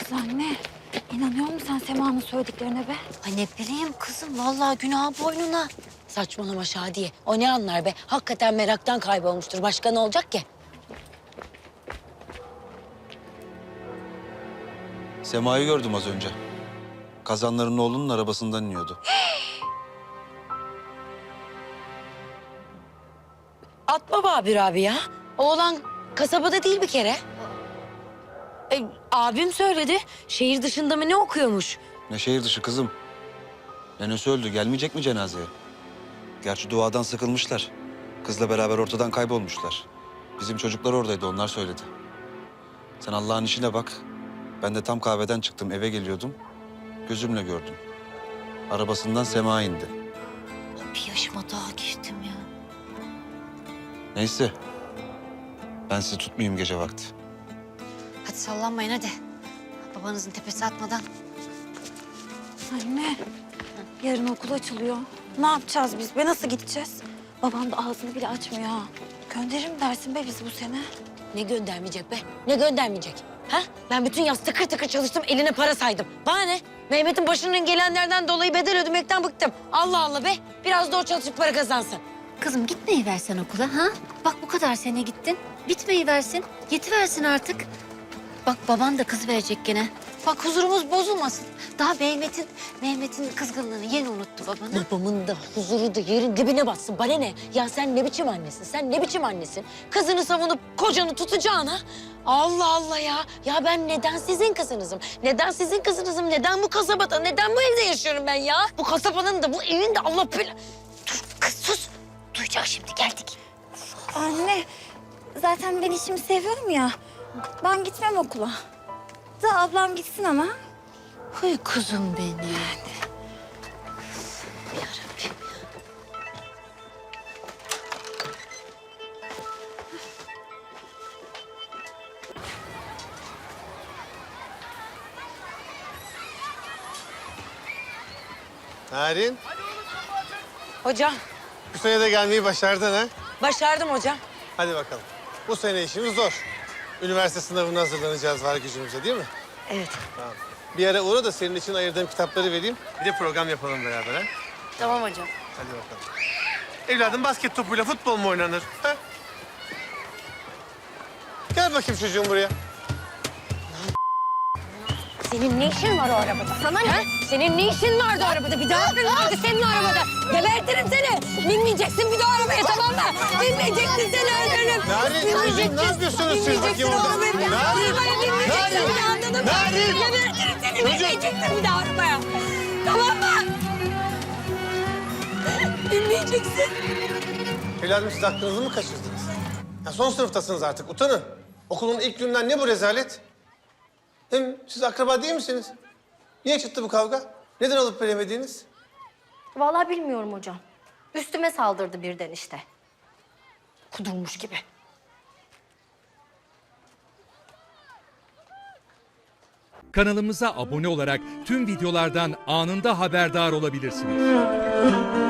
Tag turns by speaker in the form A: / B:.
A: Kız anne, inanıyor musun sen Sema'nın söylediklerine be?
B: Ay ne bileyim kızım, vallahi günah boynuna. Saçmalama Şadiye. O ne anlar be? Hakikaten meraktan kaybolmuştur. Başka ne olacak ki?
C: Sema'yı gördüm az önce. Kazanların oğlunun arabasından iniyordu.
B: Atma Babür abi ya. Oğlan kasabada değil bir kere. Abim söyledi. Şehir dışında mı ne okuyormuş?
C: Ne şehir dışı kızım. Nenesi öldü. Gelmeyecek mi cenazeye? Gerçi duadan sıkılmışlar. Kızla beraber ortadan kaybolmuşlar. Bizim çocuklar oradaydı. Onlar söyledi. Sen Allah'ın işine bak. Ben de tam kahveden çıktım. Eve geliyordum. Gözümle gördüm. Arabasından Sema indi.
B: Bir yaşıma daha geçtim ya.
C: Neyse. Ben sizi tutmayayım gece vakti.
B: Hadi sallanmayın hadi. Babanızın tepesi atmadan.
A: Anne, yarın okul açılıyor. Ne yapacağız biz be? Nasıl gideceğiz? Babam da ağzını bile açmıyor ha. Gönderir mi dersin be bizi bu sene?
B: Ne göndermeyecek be? Ne göndermeyecek? Ha? Ben bütün yaz tıkır tıkır çalıştım, eline para saydım. Bana ne? Mehmet'in başının gelenlerden dolayı bedel ödemekten bıktım. Allah Allah be. Biraz da o çalışıp para kazansın.
D: Kızım gitmeyi versen okula ha? Bak bu kadar sene gittin. Bitmeyi versin. Yetiversin artık. Bak baban da kız verecek gene. Bak huzurumuz bozulmasın. Daha Mehmet'in kızgınlığını yeni unuttu babanı.
B: Babamın da huzuru da yerin dibine batsın. Bana ne? Ya sen ne biçim annesin? Sen ne biçim annesin? Kızını savunup kocanı tutacağına. Allah Allah ya. Ya ben neden sizin kızınızım? Neden sizin kızınızım? Neden bu kasabada? Neden bu evde yaşıyorum ben ya? Bu kasabanın da bu evin de Allah bela...
D: Dur kız sus. Duyacak şimdi geldik.
A: Anne, zaten ben işimi seviyorum ya. Ben gitmem okula. Da ablam gitsin ama.
D: Huy kuzum benim.
E: Narin,
B: Hocam,
E: bu sene de gelmeyi başardın ha?
B: başardım hocam.
E: Hadi bakalım. Bu sene işimiz zor. Üniversite sınavına hazırlanacağız var gücümüze değil mi?
B: Evet.
E: Tamam. Bir ara uğra da senin için ayırdığım kitapları vereyim. Bir de program yapalım beraber ha?
B: Tamam hocam.
E: Hadi bakalım. Evladım basket topuyla futbol mu oynanır? Ha? Gel bakayım çocuğum buraya.
B: Senin ne işin var o arabada? Sana ne? Senin ne işin vardı o arabada? Bir daha vardı senin o arabada. Gebertirim seni. Binmeyeceksin bir daha arabaya, tamam mı? Binmeyeceksin, seni öldürürüm.
E: Narin, kızım, ne yapıyorsunuz siz bakayım orada?
B: Binmeyeceksin bir daha, anladın mı?
E: Narin!
B: Gebertirim seni. Binmeyeceksin bir daha arabaya. Tamam mı? Binmeyeceksin.
E: Evladım siz aklınızı mı kaçırdınız? Ya son sınıftasınız artık, utanın. Okulun ilk günden ne bu rezalet? Hem siz akraba değil misiniz? Niye çıktı bu kavga? Neden alıp veremediğiniz?
F: Vallahi bilmiyorum hocam. Üstüme saldırdı birden işte. Kudurmuş gibi.
G: Kanalımıza abone olarak tüm videolardan anında haberdar olabilirsiniz.